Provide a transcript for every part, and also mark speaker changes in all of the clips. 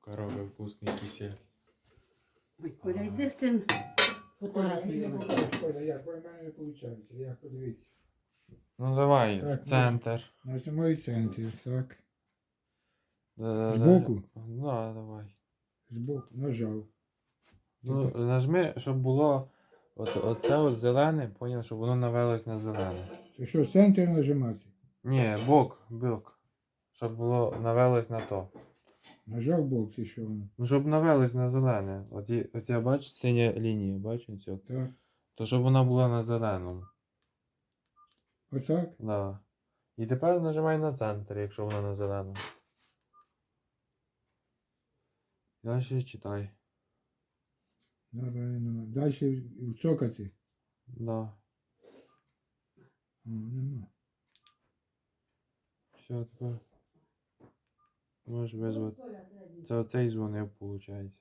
Speaker 1: Бабка робить вкусний кисель.
Speaker 2: Ой, Коля, йди з тим фотографіями.
Speaker 3: Коля, як? У мене не виходить. Як подивіться.
Speaker 1: Ну давай,
Speaker 3: Так,
Speaker 1: центр.
Speaker 3: Нажимаю центр, так.
Speaker 1: Да-да-да.
Speaker 3: Збоку?
Speaker 1: Да, давай.
Speaker 3: Збоку, нажав.
Speaker 1: Ну, нажми, щоб було оце от зелене, поняв, щоб воно навелось на зелене.
Speaker 3: Ти що, центр нажимати?
Speaker 1: Ні, бок. Щоб було навелось на то.
Speaker 3: Нажав бок, ти що воно?
Speaker 1: Ну, щоб навелось на зелене. Оця, бачиш, синя лінія, бачиш цю?
Speaker 3: Так.
Speaker 1: То щоб вона була на зеленому.
Speaker 3: Отак?
Speaker 1: Да. І тепер нажимай на центр, якщо вона на зеленому. Далі читай.
Speaker 3: Далі цокати.
Speaker 1: Да.
Speaker 3: Нема.
Speaker 1: Все, тепер. Можеш визвати. Це оцей дзвонив, виходить.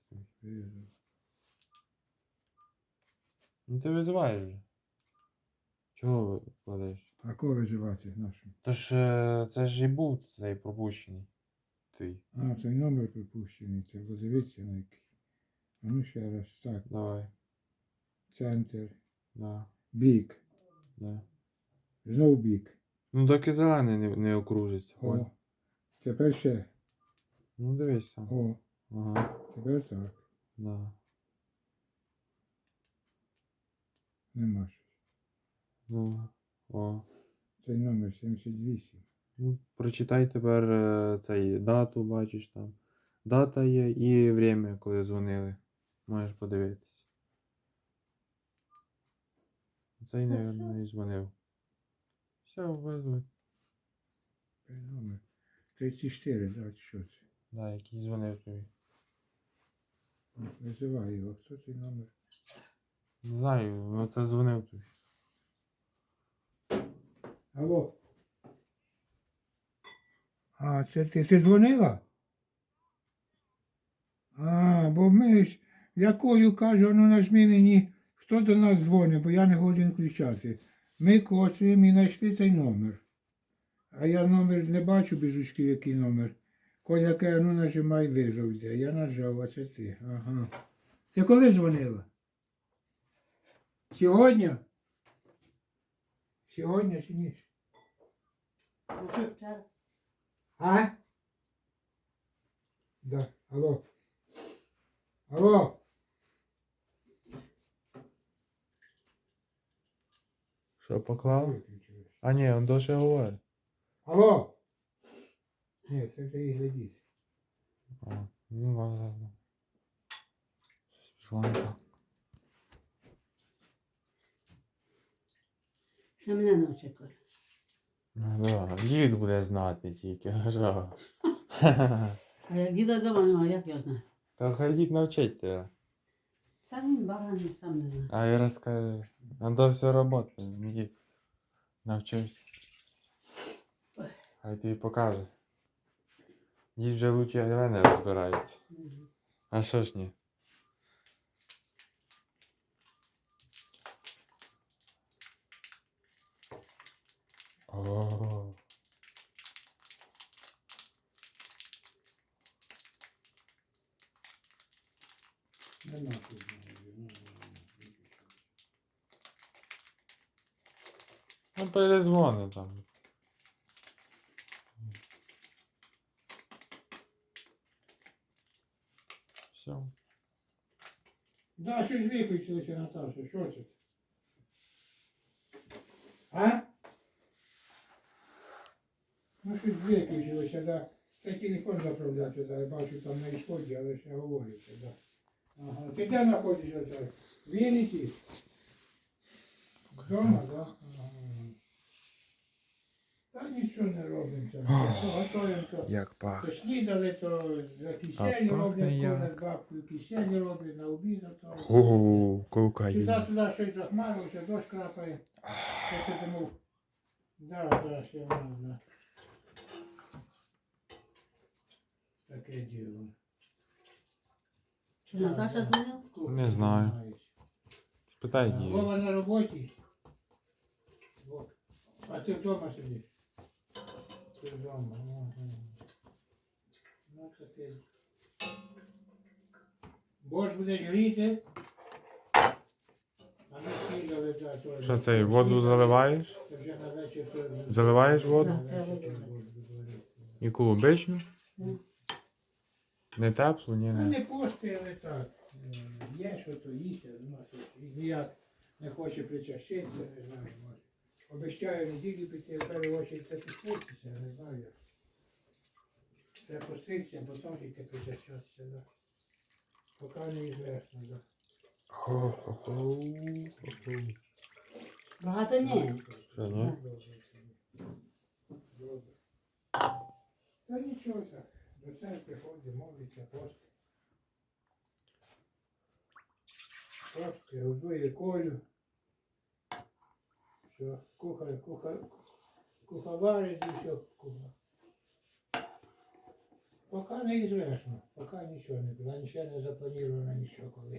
Speaker 1: Ну ти визиваєш вже. Чого кладеш?
Speaker 3: А кого виживати нашу?
Speaker 1: Тож це ж і був цей пропущений. Твій.
Speaker 3: А, цей номер припущений. Це подивіться на який. А ну ще раз. Так.
Speaker 1: Давай.
Speaker 3: Центр.
Speaker 1: Да.
Speaker 3: Бік.
Speaker 1: Да.
Speaker 3: Знов бік.
Speaker 1: Ну доки зелений не окружиться.
Speaker 3: О. Тепер ще.
Speaker 1: Ну дивись сам.
Speaker 3: О.
Speaker 1: Ага.
Speaker 3: Тепер так.
Speaker 1: Да.
Speaker 3: Нема щось.
Speaker 1: Ну. О.
Speaker 3: Цей номер 78.
Speaker 1: Ну, прочитай тепер цей дату, бачиш там. Дата є і время, коли дзвонили. Можеш подивитись. Цей, мабуть, і дзвонив. Все, визвай.
Speaker 3: Цей номер 34, да, чи що це?
Speaker 1: Да, який дзвонив тобі.
Speaker 3: Визивай його. Хто цей номер?
Speaker 1: Не знаю, ну це дзвонив тобі.
Speaker 3: Алло. А, це ти дзвонила? А, бо ми ж, якою кажу, ну нажми мені, хто до нас дзвонить, бо я не годен включати. Ми коцуємо і знайшли цей номер. А я номер не бачу без очки, який номер. Коля каже, ну нажимай визов йде. Я нажав, а це ти. Ага. Ти коли дзвонила? Сьогодні? Сьогодні чи ні?
Speaker 2: Ну, що вчора?
Speaker 3: А? Да. Алло. Алло.
Speaker 1: Що, поклав? А ні, він досі говорить.
Speaker 3: Алло. Ні, це вже і глядіть.
Speaker 1: А, ну ладно. Щось пішло не так.
Speaker 2: Ще мене навчи, Коля.
Speaker 1: Ну да, дід буде знати тільки. Що?
Speaker 2: А як діда вдома немає, як я знаю?
Speaker 1: Та хай дід навчить тебе.
Speaker 2: Та він баганий, сам не знає.
Speaker 1: А я розкажу. А то все робота. Дід навчився. Хай тобі покаже. Дід вже лучше від мене розбирається. А що ж ні? О.
Speaker 3: Нема тут.
Speaker 1: Ну перезвони там. Все.
Speaker 3: Да, щось виключилося, Наташа. Що це? А? Ну, щось виключилося, да. Це телефон заправляти, зараз бачу там на ісході, але ще говориться, да. Ага. Ти де знаходишся зараз? В Вінниці? Вдома, да? Ага. Та нічого не робимо там. Готуємо.
Speaker 1: Як пахне.
Speaker 3: То снідали, то за киселі
Speaker 1: пахне
Speaker 3: роблять,
Speaker 1: як.
Speaker 3: коли з бабкою киселі роблять на обід, а то.
Speaker 1: Ого, колка
Speaker 3: Сюди щось захмарився, дощ крапає. Я це думав, зараз ще в нас, да. Таке діло.
Speaker 2: Чи Наташа дзвонила?
Speaker 1: Не знаю. Спитай дід.
Speaker 3: Вова на роботі. Во. А ти вдома сидиш? Ти вдома. Ага. Ну, таке. Борщ буде гріти. А ми снідали за то.
Speaker 1: Що це, воду заливаєш?
Speaker 3: Це вже на вечір то.
Speaker 1: Заливаєш воду?
Speaker 3: На вечір то борщ буде варити.
Speaker 1: Яку обичну?
Speaker 2: Ну.
Speaker 1: Не теплу, ні,
Speaker 3: Ну,
Speaker 1: не.
Speaker 3: не пошти, але так. Є, що то їсть, а нема що. І ніяк не хоче причащитися, не знаю, може. Обіцяю неділю піти, в першу очередь це підпуститься, не знаю як. Це пуститься, а потім тільки причащатися, да. Поки не ізвесно, да.
Speaker 1: Хо-хо-хо.
Speaker 2: Багато ні.
Speaker 1: Що, ні?
Speaker 3: Добре. Та нічого так. До церкви ходить, молиться, постить. Постить, годує Колю. Що, куховарить і все куха. Поки не ізвесно, поки нічого не було, нічого не заплановано, нічого коли.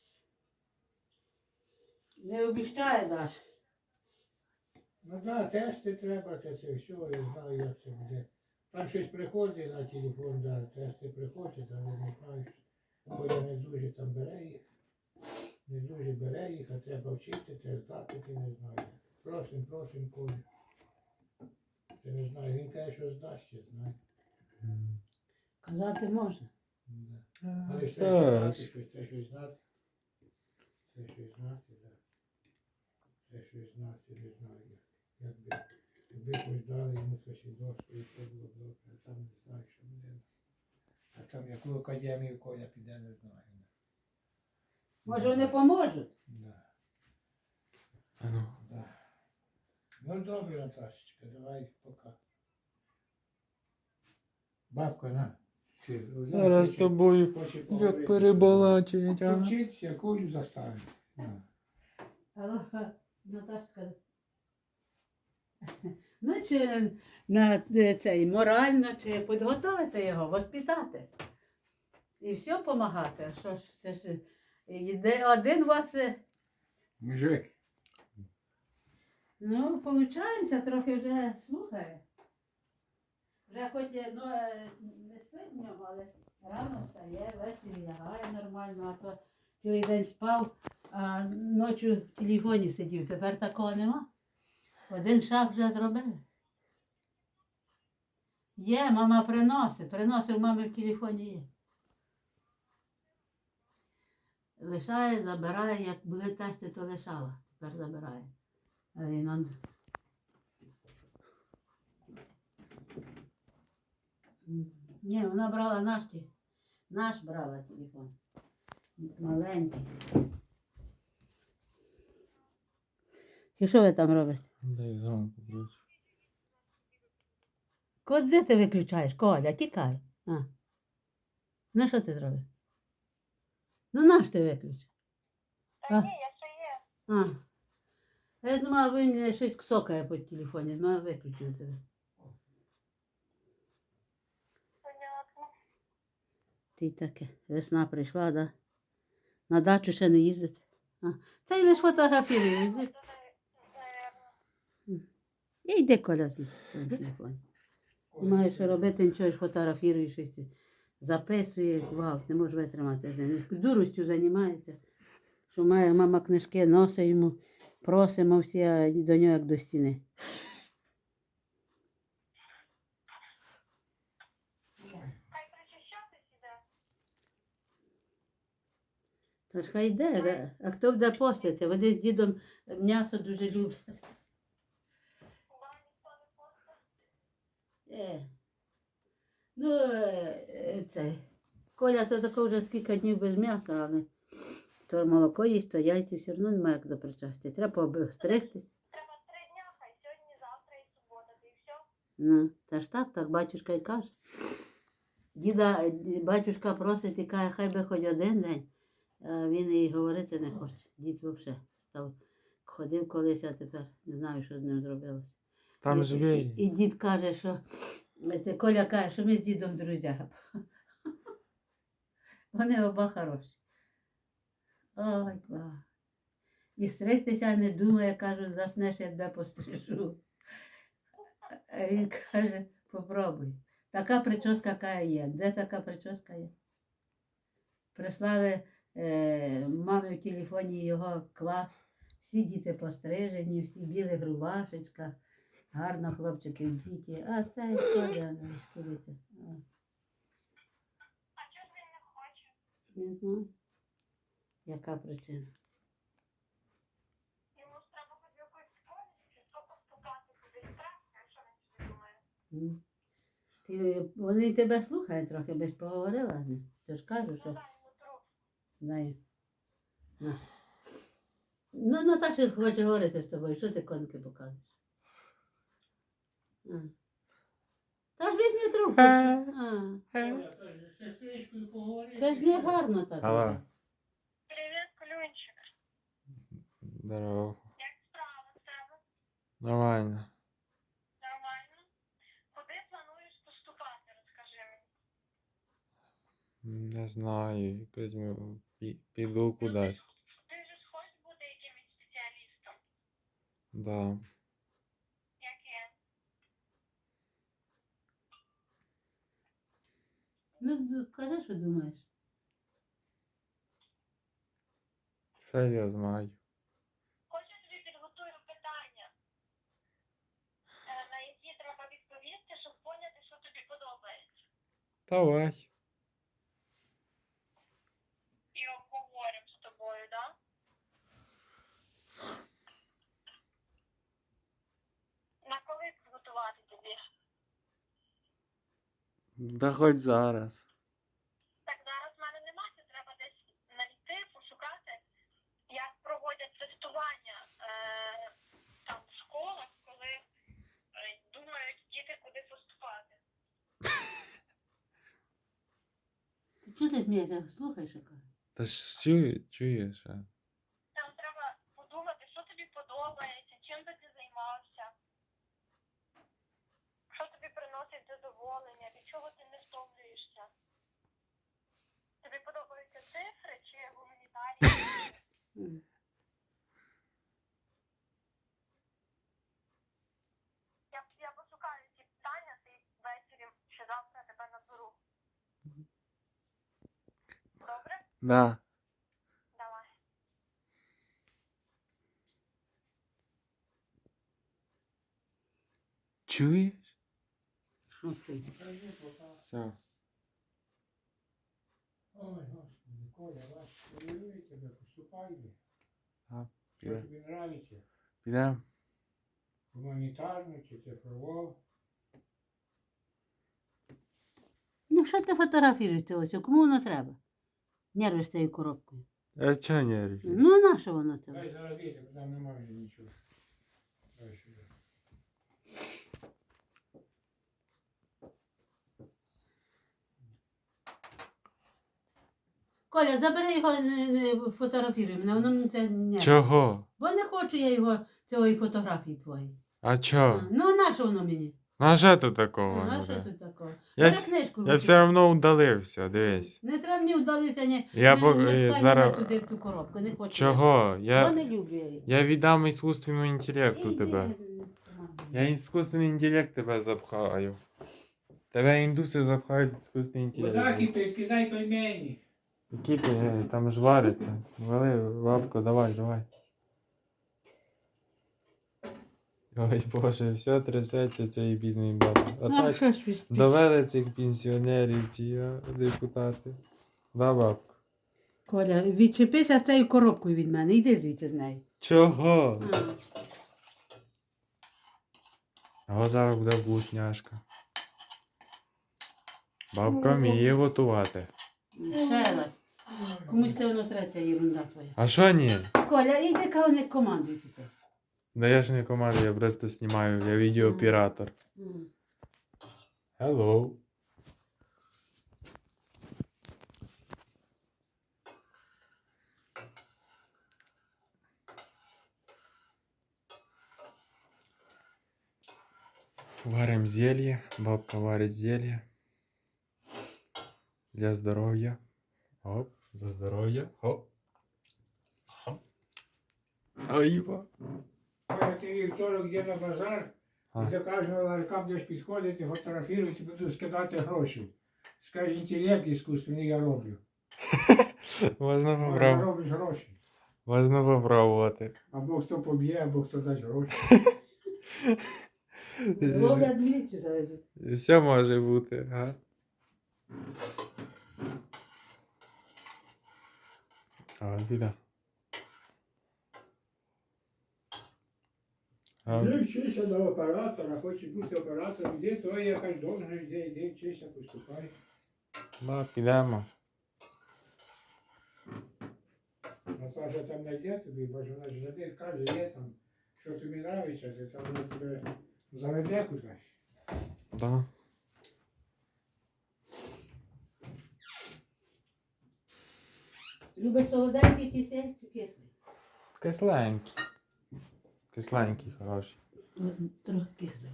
Speaker 2: Не обіщає Даш.
Speaker 3: Ну так, тести треба, це все, я знаю, як це буде. Там щось приходить на телефон, да, тести приходять, але не знаю, бо я не дуже там бере їх. Не дуже бере їх, а треба вчити, треба здати, ти не знаю. Просим, Колю. Ти не знаю, він каже, що здасть, я знаю.
Speaker 2: Казати можна.
Speaker 3: Да. Але ж треба
Speaker 1: Так.
Speaker 3: щось знати, це щось знати. Це щось знати, так. Це щось знати, не знаю як. Якби хоч дали йому священство, і все було добре, а там не знаю, що буде. А там яку академію Коля піде, не знаю.
Speaker 2: Може вони поможуть?
Speaker 3: Да.
Speaker 1: А ну.
Speaker 3: Да. Ну добре, Наташечка, давай пока. Бабка, на.
Speaker 1: Зараз з тобою як перебалачить, а?
Speaker 3: Вчиться, Колю заставить. На.
Speaker 2: Аллаха, Наташка. Ну, чи на цей морально, чи підготовити його, воспитати. І все допомагати. А що ж, це ж один вас,
Speaker 3: Мужик.
Speaker 2: ну, виходить, трохи вже слухає. Вже хоч ну, не спить в ньому, але рано встає, ввечері лягає нормально, а то цілий день спав, а ночі в телефоні сидів. Тепер такого нема. Один шаг вже зробили. Є, мама приносить, мами в телефоні є. Лишає, забирає, як були тести, то лишала, тепер забирає. А він он... Ні, вона брала наш брала телефон. Маленький. І що ви там робите?
Speaker 1: Дай громко, коротше.
Speaker 2: Де ти виключаєш? Коля, тікай. А. Ну що ти зробив? Ну наш ти виключив.
Speaker 4: Та ні, я ще є.
Speaker 2: Я думала, він щось ксокає по телефоні, ну виключив тебе.
Speaker 4: Понятно.
Speaker 2: Ти таке. Весна прийшла, да? На дачу ще не їздити. Це й лише фотографірує.
Speaker 4: Наверно.
Speaker 2: І йди, Коля, звідси в своєму телефоні. Немає що робити, нічого ж фотографірує, щось записує, вау, не можу витримати з ним. Дуростю займається, що має мама книжки, носить йому, просимо всі, а до нього як до стіни.
Speaker 4: Хай причащатись іде.
Speaker 2: Тож хай йде, а хто буде постити? Вони з дідом м'ясо дуже люблять.
Speaker 4: Хіба ніхто не постить?
Speaker 2: Ну, це, Коля то тако вже скільки днів без м'яса, але то молоко їсть, то яйці все одно немає як до причастя. Треба обстригтись.
Speaker 4: Треба 3 дня, хай сьогодні, завтра і субота, та і все.
Speaker 2: Ну, та ж так, батюшка й каже. Батюшка просить і каже, хай би хоч один день. А він і говорити не хоче. Дід взагалі став, ходив колись, а тепер не знаю, що з ним зробилося.
Speaker 1: Там живий.
Speaker 2: І дід каже, що Коля каже, що ми з дідом друзі. Вони оба хороші. Ой, клас. І стригтися не думає, кажуть, заснеш, я тебе пострижу. А він каже, попробуй. Така прическа, яка є. Де така прическа є? прислали мамі в телефоні його клас. Всі діти пострижені, всі в білих рубашечках. Гарно хлопчики в діті. А цей Коля шкіриться.
Speaker 4: А чого ж він не хоче?
Speaker 2: Не знаю. Яка причина?
Speaker 4: Йому ж треба хоч в якусь школу, чи що поступати кудись треба, що він собі думає?
Speaker 2: М. Вони тебе слухають трохи, би ж поговорила з ним. Ти ж кажу,
Speaker 4: Ну
Speaker 2: що
Speaker 4: дай йому труп.
Speaker 2: дай. На. Ну, Наташа хоче говорити з тобою, що ти конки показуєш? А. Та ж візьми трубку. А.
Speaker 3: Оля, то ж з сестричкою поговорити.
Speaker 2: Це ж не гарно так.
Speaker 1: Алло.
Speaker 2: робити.
Speaker 4: Привіт, Клюнчик.
Speaker 1: Здорово.
Speaker 4: Як справа в тебе?
Speaker 1: Нормально.
Speaker 4: Нормально? Куди плануєш поступати, розкажи мені.
Speaker 1: Не знаю, якось піду кудись.
Speaker 4: Ти ж хочеш бути якимось спеціалістом?
Speaker 1: Да.
Speaker 4: Яким?
Speaker 2: Ну, кажи, що думаєш.
Speaker 1: Все я знаю.
Speaker 4: Хочу тобі підготую питання, на які треба відповісти, щоб поняти, що тобі подобається.
Speaker 1: Давай.
Speaker 4: І обговоримо з тобою, так? На коли підготувати тобі?
Speaker 1: Да хоч зараз.
Speaker 4: Так зараз в мене немає, це треба десь знайти, пошукати, як проводять тестування там в школах, коли думають діти, куди поступати.
Speaker 2: Чого ти смієшся? Слухай, що кажу.
Speaker 1: Та ж чуєш, а?
Speaker 4: Там треба подумати, що тобі подобається, чим би ти займався, що тобі приносить задоволення, від чого ти не втомлюєшся. Тобі подобаються цифри чи гуманітарії?
Speaker 2: М.
Speaker 4: Я пошукаю ці питання, ти ввечері чи завтра тебе наберу. Добре?
Speaker 1: Да.
Speaker 4: Давай.
Speaker 1: Чуєш?
Speaker 2: Що ти?
Speaker 1: Все.
Speaker 3: Ой, Господи, Коля, вас хвилює тебе, поступай.
Speaker 1: А,
Speaker 3: Що
Speaker 1: піде.
Speaker 3: тобі нравиться?
Speaker 1: Підемо?
Speaker 3: Гуманітарну чи цифрову?
Speaker 2: Ну, що ти фотографіруєшся ось? Кому воно треба? Нервиш цією коробкою.
Speaker 1: А чого не рішиш?
Speaker 2: Ну, на що воно це?
Speaker 3: Дай зараз діти, бо там немає нічого. Дай сюди.
Speaker 2: Коля, забери його, не фотографіруй мене, воно мені це не.
Speaker 1: Чого?
Speaker 2: Бо не хочу я його, цієї фотографії твої.
Speaker 1: А чого?
Speaker 2: Ну, на що воно мені?
Speaker 1: Ну, а що тут такого
Speaker 2: А що
Speaker 1: буде?
Speaker 2: тут такого?
Speaker 1: Я,
Speaker 2: Бери
Speaker 1: с-
Speaker 2: книжку.
Speaker 1: я
Speaker 2: випий.
Speaker 1: все одно удалився, дивись.
Speaker 2: Не треба мені вдалитися, ні.
Speaker 1: Я
Speaker 2: не,
Speaker 1: по-
Speaker 2: не пхай
Speaker 1: зараз-
Speaker 2: мене туди в ту коробку, не хочу.
Speaker 1: Чого?
Speaker 2: Я не люблю я її.
Speaker 1: Я віддам іскусственному інтелекту
Speaker 2: Іди,
Speaker 1: тебе.
Speaker 2: помагай.
Speaker 1: Я іскусственний інтелект тебе запхаю. Тебе індуси запхають іскусственний
Speaker 3: Вода
Speaker 1: інтелект.
Speaker 3: кипить, кидай пельмені.
Speaker 1: Які ти, там ж вариться. Вали, бабко, давай, давай. Ой, Боже, все трясеться цієї бідної баби. А
Speaker 2: Ну,
Speaker 1: так
Speaker 2: що ж ви спішите?
Speaker 1: довели цих пенсіонерів, ті депутати. Да, бабко?
Speaker 2: Коля, відчепися з цією коробкою від мене, йди звідси з нею.
Speaker 1: Чого?
Speaker 2: А.
Speaker 1: О, зараз буде вкусняшка. Бабка вміє готувати.
Speaker 2: Ще раз. Комусь це воно треба, ця ерунда твоя.
Speaker 1: А що ні?
Speaker 2: Коля, іди кого не командуй тут.
Speaker 1: Да я ж не команда, я просто знімаю, я відеооператор.
Speaker 2: М.
Speaker 1: Hello. Варим зелье, бабка варить зелье. Для здоров'я. Оп, за здоров'я. Оп. Оп. Айва.
Speaker 3: Коля, ти вівторок йде на базар,
Speaker 1: А.
Speaker 3: і до кожного ларька будеш підходити, фотографувати, буду скидати гроші. Скажи, інтелект іскусственний я роблю.
Speaker 1: Можна
Speaker 3: Може,
Speaker 1: попробувати.
Speaker 3: робиш гроші.
Speaker 1: Можна попробувати.
Speaker 3: Або хто поб'є, або хто дасть гроші.
Speaker 2: Ловлять міліцію заведуть.
Speaker 1: Все може бути, га? А, біда.
Speaker 3: Ти вчишся на оператора, хочеш бути оператором, йди, то є якась должність, йди, вчишся, поступай.
Speaker 1: Да, підемо.
Speaker 3: Наташа там знайде тобі, бо ж вона ж завжди скаже, є там, що тобі подобається, ти там вона тебе заведе кудись.
Speaker 1: Да.
Speaker 2: Любиш солоденький кисень чи кислий?
Speaker 1: Кисленький. Кисленький, хороший.
Speaker 2: Трохи кислий.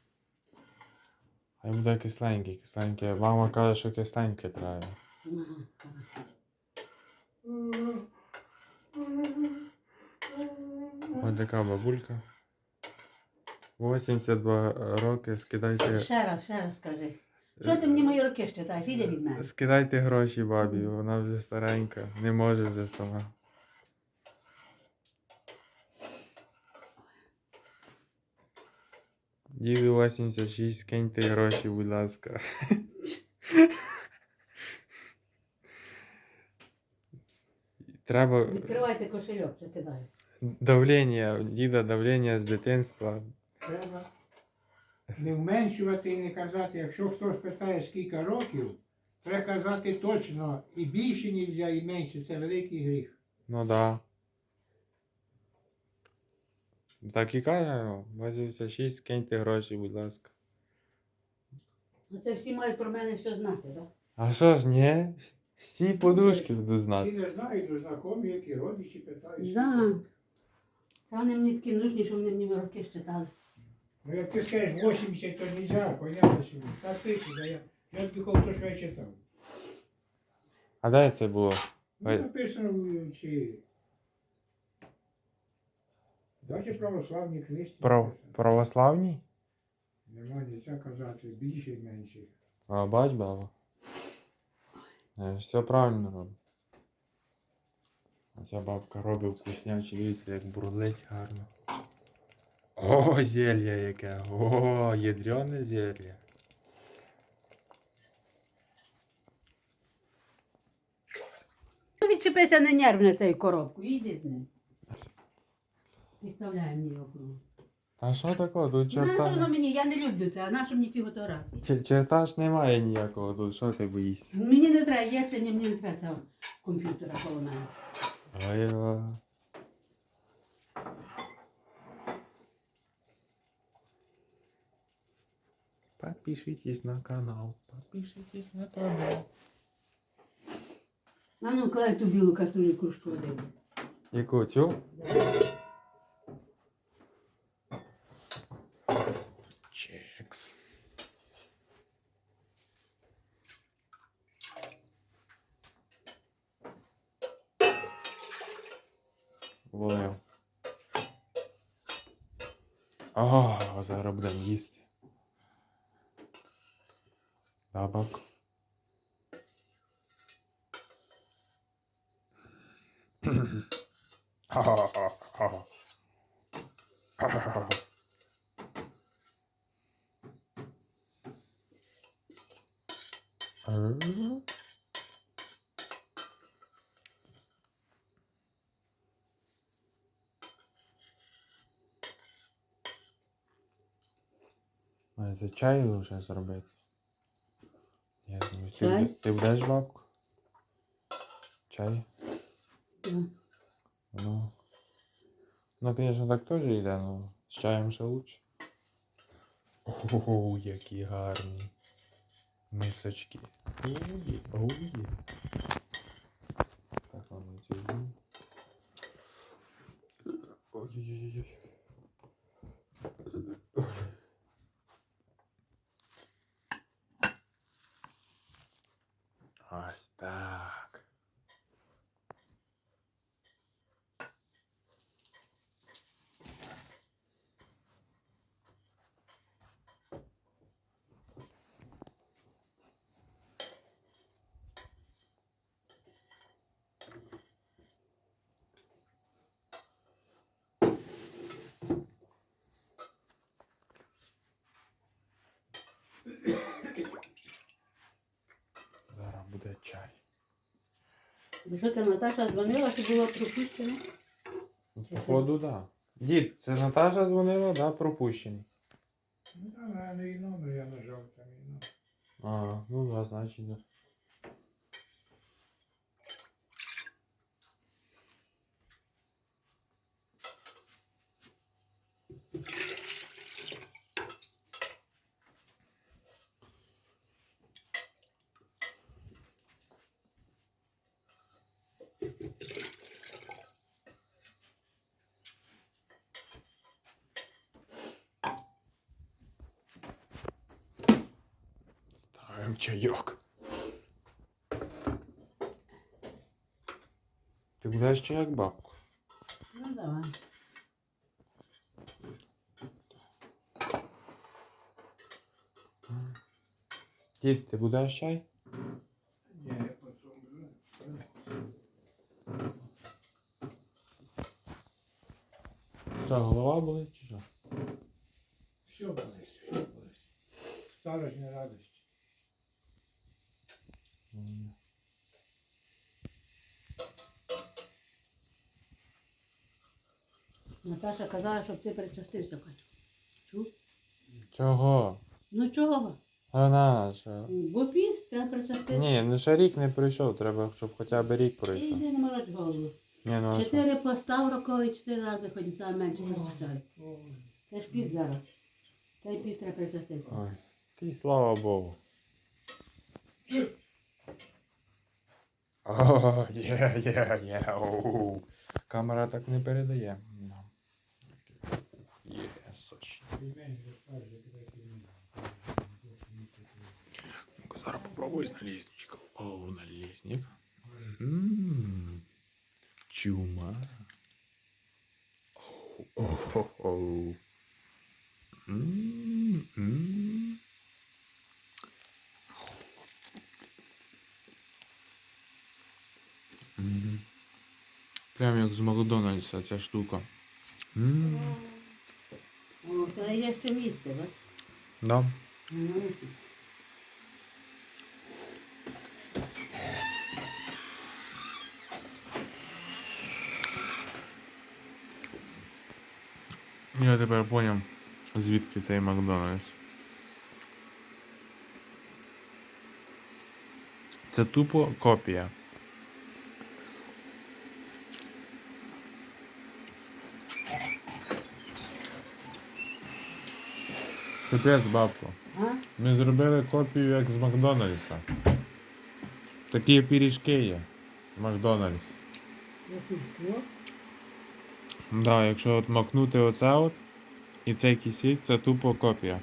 Speaker 1: Хай буде кисленький, кисленький. Мама каже, що кисленьке треба.
Speaker 2: Ага.
Speaker 1: Ось така бабулька. 82 роки, скидайте.
Speaker 2: Ще раз скажи. Що ти мені мої роки щитаєш? Іди від мене.
Speaker 1: Скидайте гроші бабі, вона вже старенька, не може вже сама. Діду 86, киньте гроші, будь ласка. Треба
Speaker 2: Відкривайте кошельок, закидаю.
Speaker 1: давлення, діда давлення з дитинства.
Speaker 3: Треба не вменшувати і не казати, якщо хтось питає, скільки років, треба казати точно, і більше не можна, і менше, це великий гріх.
Speaker 1: Ну да. Так і каже, 86, киньте гроші, будь ласка.
Speaker 2: Ну це всі мають про мене все знати, так?
Speaker 1: А що ж, ні? Всі подружки будуть
Speaker 3: Всі
Speaker 1: знати.
Speaker 3: не знають, до знайомі, які родичі питають.
Speaker 2: Да. Це вони мені такі нужні, що вони мені роки щитали.
Speaker 3: Ну як ти скажеш 80, то не можна, понятно, що ні. Так пише, да я тобі кажу, то, що я читав.
Speaker 1: А де це було?
Speaker 3: Ну,
Speaker 1: Ой.
Speaker 3: написано в цій. Давайте православні книжці.
Speaker 1: Православні?
Speaker 3: Нема нічого казати, більше і менше.
Speaker 1: А, бач, баба. Все правильно робить. А ця бабка робить вкуснячі, дивіться, як бурлить гарно. О, зелье яке! О, ядрене зелье.
Speaker 2: Ну, відчепися, не нерв на цю коробку, іди з ним. Підставляй мені його.
Speaker 1: А що такого? Тут
Speaker 2: На що воно
Speaker 1: черта.
Speaker 2: мені? Я не люблю це, а на що мені ті фотографії?
Speaker 1: Черта ж немає ніякого тут, що ти боїшся?
Speaker 2: Мені не треба, є чи ні, мені не треба цього комп'ютера коло мене.
Speaker 1: Ой. Подпишитесь на канал. Подпишитесь на канал.
Speaker 2: А ну, клай ту білу каструлю кружку води.
Speaker 1: Яку цю? Чекс. Волив. О, зараз будемо їсти. Бабок. Це чай вже зробити. Я думаю,
Speaker 2: Чай?
Speaker 1: ти будеш бабку? Чай?
Speaker 2: Да.
Speaker 1: Ну, звісно, так теж йде, але з чаєм ще лучше. О, які гарні мисочки. Ой. Так, ладно, ці візьму. Ой-ой-ой. Ось так. буде чай.
Speaker 2: І що це Наташа дзвонила, що було пропущено?
Speaker 1: Походу, так. Да. Дід, це Наташа дзвонила, да, пропущений.
Speaker 3: Ну, там гарний номер, я нажав там і номер.
Speaker 1: А, ну да, значить, да. Ставим чайок. Ти будеш чай як бабку?
Speaker 2: Ну давай.
Speaker 1: Дід, ти будеш чай?
Speaker 3: Ні, я потім буду.
Speaker 1: Що, голова болить чи що?
Speaker 3: Все болить, все болить. Старость не радость.
Speaker 2: Наташа казала, щоб ти причастився. Кать. Чув?
Speaker 1: Чого?
Speaker 2: Ну чого?
Speaker 1: Вона що?
Speaker 2: Бо піст, треба причаститися.
Speaker 1: Ні, ну ще рік не пройшов, треба, щоб хоча б рік
Speaker 2: Ти
Speaker 1: пройшов.
Speaker 2: йди не мороч голову.
Speaker 1: Ні, ну а що?
Speaker 2: 4 поста в рокові, 4 рази хоч саме менше причащають. Це ж піст зараз. Цей піст треба причаститися.
Speaker 1: Ой, ти слава Богу. О, є, оу. Камера так не передає. Ну. Є, сочно. Ну-ка, зараз попробуй з налісничка. Оу, налісник. Чума. Оу. Прям як з Макдональдса ця штука.
Speaker 2: О, то є ще місце, бач?
Speaker 1: Да.
Speaker 2: Ну, мусиш.
Speaker 1: Я тепер поняв, звідки цей Макдональдс. Це тупо копія. Капець, бабко.
Speaker 2: А?
Speaker 1: Ми зробили копію як з Макдональдса. Такі пиріжки є. Макдональдс.
Speaker 2: Який скло?
Speaker 1: Да, якщо от макнути оце от і цей кисіль, це тупо копія.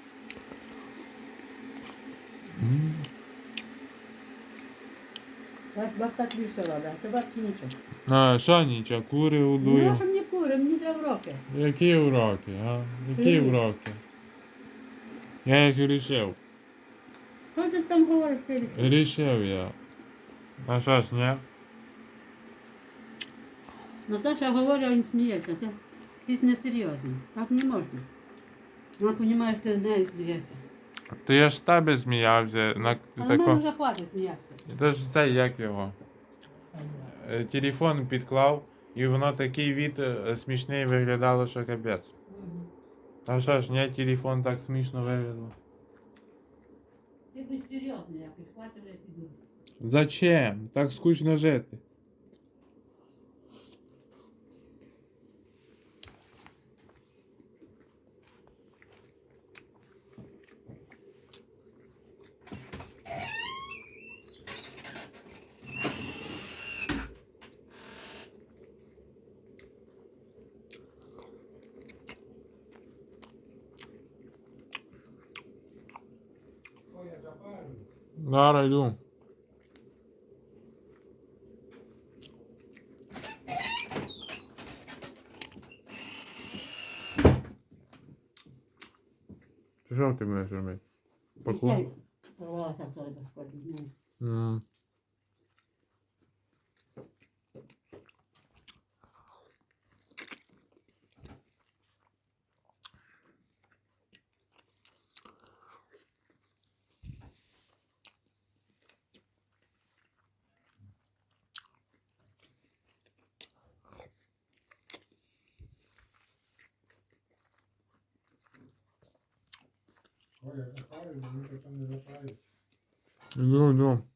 Speaker 2: Бабка тобі все робить, а то бабці нічого.
Speaker 1: А, що нічого, кури
Speaker 2: Ну,
Speaker 1: удую.
Speaker 2: що мені кури, мені треба роки.
Speaker 1: Які уроки, а? Які
Speaker 2: Привіт.
Speaker 1: уроки? Я їх рішив.
Speaker 2: Що ти там говориш, ти?
Speaker 1: Рішив я. А що ж, ні?
Speaker 2: Наташа говорить, а він сміється. Ти несерйозний. Так не можна. Вона розуміє, що ти з нею смієшся.
Speaker 1: То я ж з тебе сміявся.
Speaker 2: Але мене вже хватить сміятися.
Speaker 1: Це ж це як його? Телефон підклав, і воно такий від смішний виглядало, що капець. А що ж, ні, телефон так смішно виглядав.
Speaker 2: Ти будь серйозний якийсь, хватить вже піду.
Speaker 1: Зачем? Так скучно жити.
Speaker 3: Ой, я запарю.
Speaker 1: Зараз йду. Ти що ти будеш робити? Поклон?
Speaker 2: Порвалася все безподібне.
Speaker 3: Коля, запарив, бо він потім не запарить.
Speaker 1: Ну, ну.